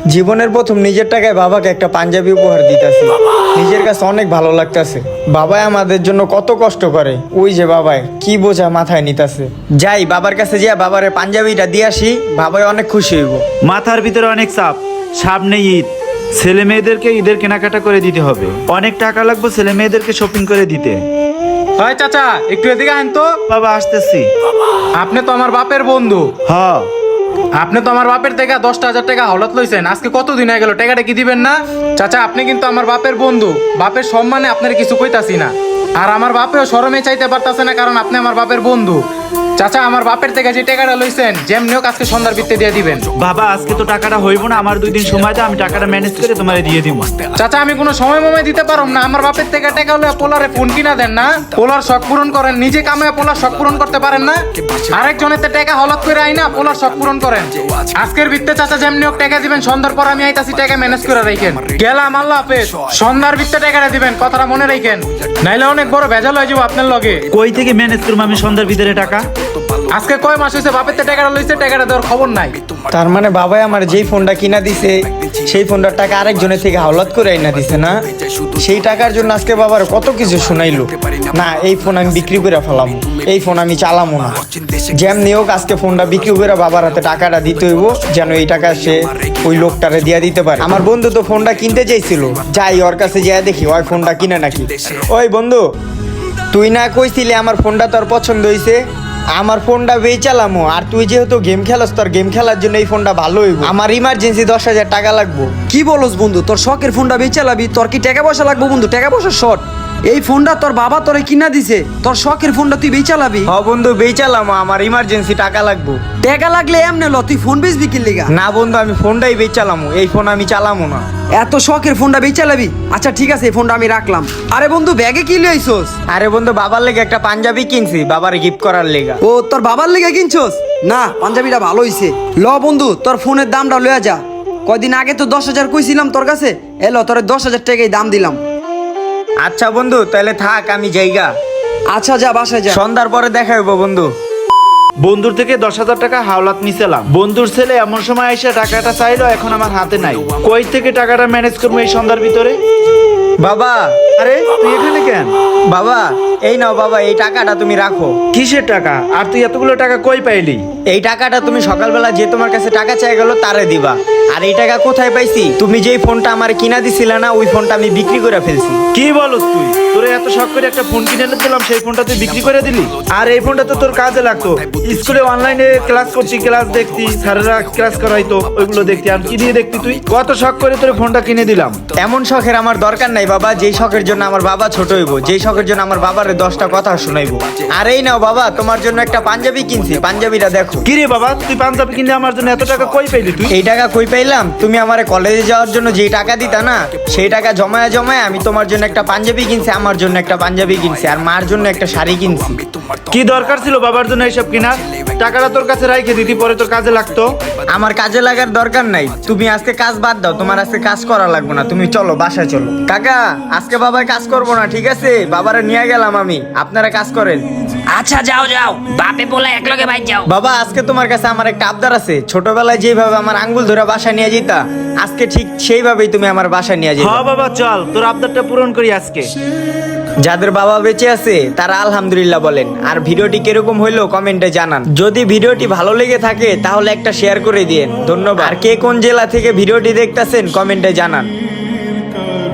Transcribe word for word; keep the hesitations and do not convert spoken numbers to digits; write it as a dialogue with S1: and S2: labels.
S1: জীবনের প্রথম নিজের টাকায় বাবাকে একটা পাঞ্জাবি উপহার দিতেছি, নিজের কাছে অনেক ভালো লাগতেছে। বাবাই আমাদের জন্য কত কষ্ট করে, ওই যে বাবাই কি বোঝা মাথায় নিতেছে। যাই বাবার কাছে যা বাবারে পাঞ্জাবিটা দিয়ে আসি, বাবাই অনেক খুশি হইব।
S2: মাথার ভিতরে অনেক চাপ, সামনে ঈদ, ছেলে মেয়েদেরকে ঈদের কেনাকাটা করে দিতে হবে, অনেক টাকা লাগবে ছেলে মেয়েদেরকে শপিং করে দিতে।
S3: হয় চাচা, একটু এদিকে আহেন তো।
S2: বাবা আসতেছি।
S3: আপনি তো আমার বাপের বন্ধু।
S2: হ্যাঁ,
S3: আপনি তো আমার বাপের থেকে দশটা হাজার টাকা হলত লইছেন, আজকে কতদিন হয়ে গেল, টাকাটা কি দিবেন না? চাচা, আপনি কিন্তু আমার বাপের বন্ধু, বাপের সম্মানে আপনার কিছু কইতাছি না। আর আমার বাপেও শরমে চাইতে পারতাছে না, কারণ আপনি আমার বাপের বন্ধু। চাচা, আমার বাপের থেকে যে টাকাটা লইছেন যেমনি হোক আজকে সন্ধ্যার ভিত্তি দিয়ে দিবেন।
S2: বাবা আজকে তো টাকাটা হইব না, আমার দুই দিন সময় দাও, আমি টাকাটা ম্যানেজ করে তোমারে দিয়ে দিব।
S3: চাচা, আমি কোনো সময় মমে দিতে পারব না। আমার বাপের থেকে টাকা হলে পোলারে ফোন কিনা দেন না, পোলার শখ পূরণ করেন, নিজে কামায় পোলার শখ পূরণ করতে পারেন না। আরেকজনের টাকা হলত করে আই না পোলার শখ পূরণ করেন। আজকের ভিত্তে চাচা যেমনি হোক টাকা দিবেন, সন্ধ্যার পর আমি আইতাছি, টাকা ম্যানেজ করে রাখেন। গেলাম, আল্লাহ হাফেজ। সন্ধ্যার ভিত্তে টাকাটা দিবেন, কথাটা মনে রাখেন, নাইলে অনেক বড় ভেজাল হয়ে যাবো আপনার লগে।
S2: কই থেকে ম্যানেজ করবো আমি সন্ধ্যার ভিতরে টাকা?
S3: আজকে কয় মাস হয়েছে বাপের থেকে টাকাটা লইছে, টাকাটা দেওয়ার খবর নাই।
S1: তার মানে বাবাই আমার যেই ফোনটা কিনা দিছে সেই ফোনটার টাকা আরেকজনের থেকে হাওলাত করে আইনা দিছে না? সেই টাকার জন্য আজকে বাবার কত কিছু শুনাইলো। না, এই ফোন আমি বিক্রি করে ফেলাম, এই ফোন আমি চালামো না। যেমনি হোক আজকে ফোনটা বিক্রি করে বাবার হাতে টাকাটা দিতে হইব, যেন এই টাকা সে ওই লোকটারে দিয়া দিতে পারে। আমার বন্ধু তো ফোনটা কিনতে চাইছিল, যাই ওর কাছে যাই দেখি ওই ফোনটা কিনে নাকি। ওই বন্ধু, তুই না কইছিলি আমার ফোনটা তোর পছন্দ হয়েছে, আমার ফোনটা বেচালামো, আর তুই যেহেতু গেম খেলাস তোর গেম খেলার জন্য এই ফোনটা ভালো হইব। আমার ইমার্জেন্সি দশ হাজার টাকা লাগবো।
S4: কি বলস বন্ধু, তোর শখের ফোনটা বেচালাবি? তোর কি টাকা পয়সা লাগবে বন্ধু? টাকা পয়সা শর্ট। এই ফোনটা তোর বাবা তোরে কিনা দিছে, তোর শখের ফোনটা তুই বেচালাবি?
S1: হ বন্ধু, বেচালামো, আমার ইমার্জেন্সি টাকা লাগবো।
S4: টাকা লাগলে এমনে ল, তুই ফোন বেচবি কি লিগা?
S1: না বন্ধু, আমি ফোনটাই বেচালামো, এই ফোন আমি চালামো না।
S4: এত শখের ফোনটা বেচালাবি? আচ্ছা ঠিক আছে, এই ফোনটা আমি রাখলাম। আরে বন্ধু, ব্যাগে কি লইছস?
S1: আরে বন্ধু, বাবার লেগে একটা পাঞ্জাবি কিনছি, বাবার গিফট করার লেগা।
S4: ও, তোর বাবার লেগে কিনছস? না, পাঞ্জাবিটা ভালো হইছে। ল বন্ধু, তোর ফোনের দামটা লইয়া যা। কয়দিন আগে তো দশ হাজার কইছিলাম তোর কাছে, এলো তোর দশ হাজার টাকাই দাম দিলাম।
S1: আচ্ছা বন্ধু, তাহলে থাক, আমি যাইগা।
S4: আচ্ছা যা, বাসায় যা।
S1: সন্ধ্যার পরে দেখা হইব বন্ধু।
S2: বন্ধুর থেকে দশ হাজার টাকা হাওলাত নিছিলাম, বন্ধুর ছেলে এমন সময় এসে টাকাটা চাইলো, এখন আমার হাতে নাই। কই থেকে টাকাটা ম্যানেজ করবো এই সন্ধ্যার ভিতরে?
S1: বাবা,
S2: আরে তুই এখানে কেন?
S1: বাবা এই নাও বাবা, এই টাকাটা তুমি রাখো।
S2: কিসের টাকা? আর তুই এতগুলো টাকা কই পাইলি?
S1: এই টাকাটা তুমি সকালবেলা যে তোমার কাছে টাকা চাই গেল তারে দিবা। আর এই টাকা কোথায় পাইছি? তুমি যেই ফোনটা আমার কিনা দিছিলা না, ওই ফোনটা আমি বিক্রি করে ফেলছি।
S2: কি বলস তুই? তোরে এত শখ করে একটা ফোন কিনে এনে দিলাম, সেই ফোনটা তুই বিক্রি করে দিলি? আর এই ফোনটা তো তোর কাজে লাগতো, স্কুলে অনলাইনে ক্লাস করছি, ক্লাস দেখতি, স্যারেরা ক্লাস করাইতো, ওইগুলো দেখতি। আর কি দিয়ে দেখতি তুই? কত শখ করে তোর ফোনটা কিনে দিলাম।
S1: এমন শখের আমার দরকার নাই বাবা, যেই শখের জন্য আমার বাবা ছোট হইব, যেই শখের জন্য আমার বাবারে দশটা কথা শোনাইবো। আর এই নাও বাবা, তোমার জন্য একটা পাঞ্জাবি কিনছি, পাঞ্জাবিটা দেখো।
S2: কি রে বাবা, তুই পাঞ্জাবি কিনে আমার জন্য এত টাকা কই পাইলি তুই?
S1: এই টাকা কই পাইলাম? তুমি আমার কলেজে যাওয়ার জন্য যেই টাকা দিতা না, সেই টাকা জমায়া জমায়া আমি তোমার জন্য একটা পাঞ্জাবি কিনছি, আমার জন্য একটা পাঞ্জাবি কিনছি, আর মার জন্য একটা শাড়ি কিনছি।
S2: কি দরকার ছিল বাবার জন্য এইসব কিনার? টাকাটা তোর কাছে রাইখে দিতি, পরে তোর কাজে লাগতো।
S1: আমার কাজে লাগার দরকার নাই, তুমি আজকে কাজ বাদ দাও, তোমার আজকে কাজ করা লাগবে না, তুমি চলো বাসায় চলো। কাকা, আজকে বাবার কাজ করবো না, ঠিক আছে? বাবারে নিয়ে গেলাম আমি, আপনারা কাজ করেন।
S5: আচ্ছা যাও যাও, বাপে বলে একলগে বাইর যাও।
S1: বাবা, আজকে তোমার কাছে আমার একটা আবদার আছে। ছোটবেলায় যেভাবে আমার আঙ্গুল ধরে বাসায় নিয়ে যেতা, আজকে ঠিক সেইভাবেই তুমি আমার বাসায় নিয়ে যেতে।
S2: হ্যাঁ বাবা, চল তোর আবদারটা পূরণ করি আজকে।
S1: যাদের বাবা বেঁচে আছে তারা আলহামদুলিল্লাহ বলেন, আর ভিডিওটি কিরকম হইলো কমেন্টে জানান। যদি ভিডিওটি ভালো লেগে থাকে তাহলে একটা শেয়ার করে দিন, ধন্যবাদ। আর কে কোন জেলা থেকে ভিডিওটি দেখতেছেন কমেন্টে জানান।